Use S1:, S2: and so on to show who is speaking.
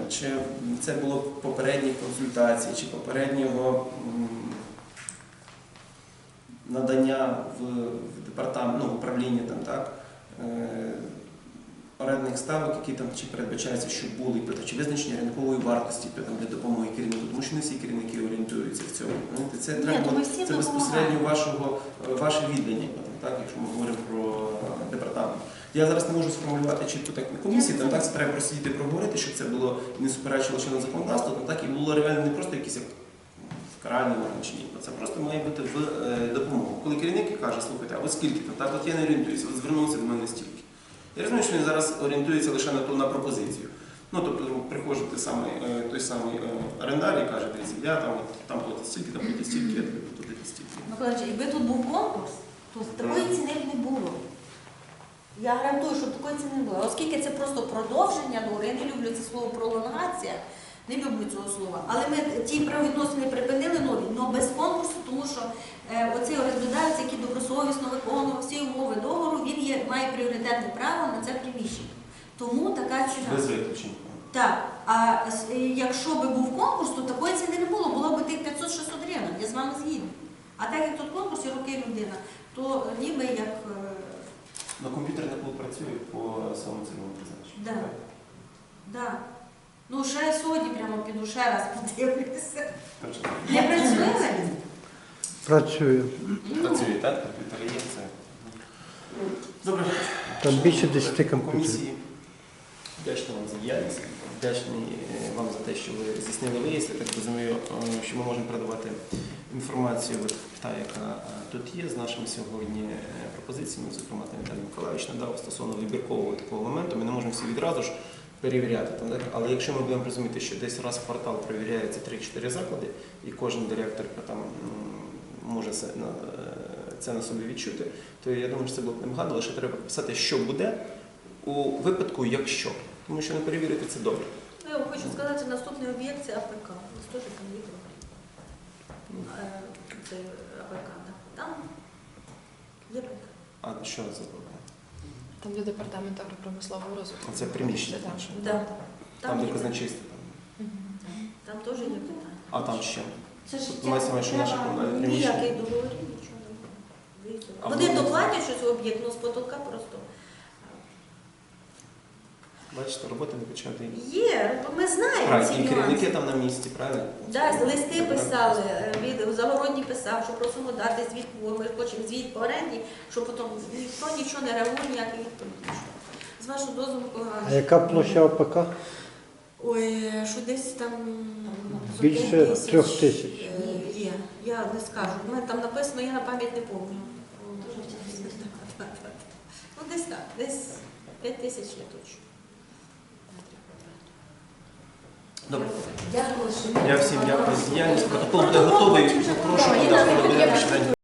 S1: чи це було в попередній консультації, чи попереднього надання в департамент, в управління там, так, орендних ставок, які там чи передбачається, що були, чи визначення ринкової вартості для допомоги керівнику, тому що не всі керівники орієнтуються в цьому. Це треба, це безпосередньо ваше віддання, так, якщо ми говоримо про департамент. Я зараз не можу сформулювати чітко так на комісії, там так це треба просидіти проговорити, щоб це було не суперечило чинному законодавству, там так і було реально не просто якісь каральні органи чи ні. Це просто має бути в допомогу. Коли керівник каже, слухайте, а оскільки, так от я не орієнтуюся, от звернувся до мене стільки. Я розумію, що він зараз орієнтується лише на пропозицію. Тобто приходить той самий орендар і каже, дивіться, я там платить стільки, там платить стільки, я тобі платить стільки.
S2: Миколаївич, якби тут був конкурс, то такої ціни б не було. Я гарантую, що такої ціни не було. Оскільки це просто продовження договору, я не люблю це слово пролонгація, не люблю цього слова. Але ми ті правовідносини припинили нові, але без конкурсу, тому що оцей орендодавець, який добросовісно виконував всі умови договору, він має пріоритетне право на це приміщення. Тому така ціна.
S1: Без виключень.
S2: Так. А якщо б був конкурс, то такої ціни не було. Було б тих 500-600 гривень. Я з вами згідна. А так як тут конкурс і роки людина, то ніби як...
S1: На комп'ютерний клуб працює по самому цільовому призначенню.
S2: Так. Так. Ну, ще сьогодні прямо піду, ще раз подивлюся. Не працює?
S3: Працює.
S1: Працює, так? Комп'ютери є, це. Добре.
S3: Там більше 10 комп'ютерів.
S1: Комісії. Вдячний вам за діяльність. Вдячний вам за те, що ви здійснили виїзд. Я так розумію, що ми можемо передавати інформацію, та, яка тут є, з нашими сьогодні пропозиціями. Зокрема, Віталій Миколаївич надав стосовно вибіркового такого моменту. Ми не можемо всі відразу ж перевіряти. Але якщо ми будемо розуміти, що десь раз в квартал перевіряється 3-4 заклади, і кожен директор там може це на собі відчути, то я думаю, що це було б немагано, лише треба писати, що буде у випадку, якщо. Тому що не перевірити це добре.
S2: Я вам хочу сказати, наступний об'єкт – це АПК. Це теж там є це АПК, там є АПК.
S1: А що це було?
S4: Там, де департамент агропромислового розвитку.
S1: Це приміщення
S4: Так.
S1: наше.
S2: Да.
S1: Там, де казначейство.
S2: Там теж є питання.
S1: А там ще?
S2: Це ж
S1: Мається на увазі, що наше комунальне приміщення.
S2: ніяких договорів, нічого немає.
S1: А
S2: Вони
S1: воно-
S2: доплатять щось об'єкт, але з потолка просто.
S1: Бачите, робота не почати.
S2: Є, ми знаємо ці
S1: Правильно, і
S2: нюанси.
S1: керівники там на місці, правильно?
S2: Так, листи писали, Загородній писав, що просимо дати звіт, бо ми хочемо звіт по оренді, що потім ніхто нічого не реагує, ніяких відповідей. З вашого дозволу,
S3: А
S2: Миколаївич.
S3: яка площа ОПК?
S2: Ой, що десь там...
S3: Більше 3 тисяч.
S2: Є, я не скажу. У мене там написано, я на пам'ять не пам'ятаю. Ну десь так, десь 5 тисяч є точно.
S1: Добре.
S2: Дякую.
S1: Я всім дякую за діяльність. Протокол буде готовий. Прошу,